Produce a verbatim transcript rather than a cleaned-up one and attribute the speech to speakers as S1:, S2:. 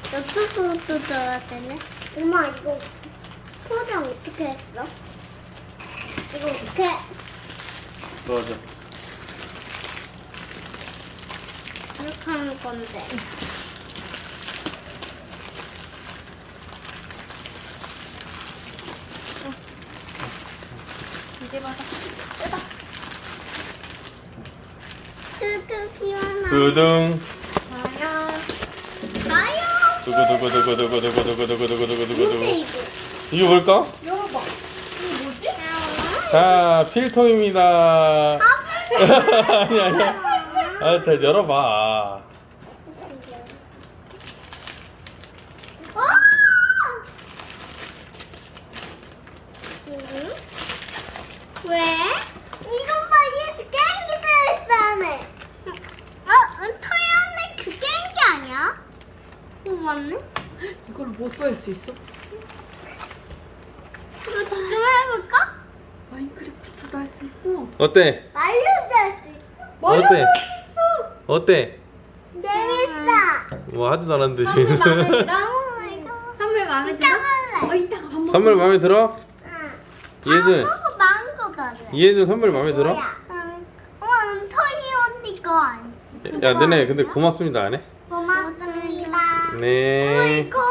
S1: 이쪽으로 들어야 되네. 엄마 이거 포장 어떻게 했어? 이거 어떻게?
S2: 넣어줘.
S1: 이렇게 하는 건데.
S3: 이제 봐봐.
S1: 뚜뚜 피워나.
S2: 두둥.
S3: 과연
S1: 나요.
S2: 두구두구두구두구두구두구두구두구두구두구두구.
S1: 뭔데 이거?
S2: 이게 뭘까?
S3: 열어봐. 이게 뭐지?
S2: 자, 필통입니다. 아니 아니야. 아, 다 열어봐.
S1: 어! 응? 왜? 이것 봐, 얘 게임기 들어있어 안에. 어, 은토이 안에 그 게임기 아니야? 어, 맞네.
S3: 이걸 뭐 또 할 수 있어?
S1: 이거 지금 해볼까?
S3: 마인크래프트도 할 수 있고.
S2: 어때?
S1: 말려도 할 수 있어.
S3: 마리오도
S2: 어때?
S3: 할 수 있어.
S2: 어때?
S1: 재밌다.
S2: 뭐 하지도 않았는데
S3: 선물 마음에
S2: 재밌어.
S3: 들어?
S1: 오 마이 갓.
S3: 선물 마음에
S1: 이따
S3: 들어?
S1: 할래.
S3: 어 이따가 밥 먹어.
S2: 선물 마음에 들어?
S1: 응.
S2: 이해준.
S1: 다 먹고 마음껏 가자.
S2: 이해준 선물 마음에 들어?
S1: 뭐야? 응. 어, 은토이 언니 거 아니야?
S2: 야, 너네 근데 고맙습니다 안 해?
S1: 고맙습니다.
S2: 네.
S1: 어, 이거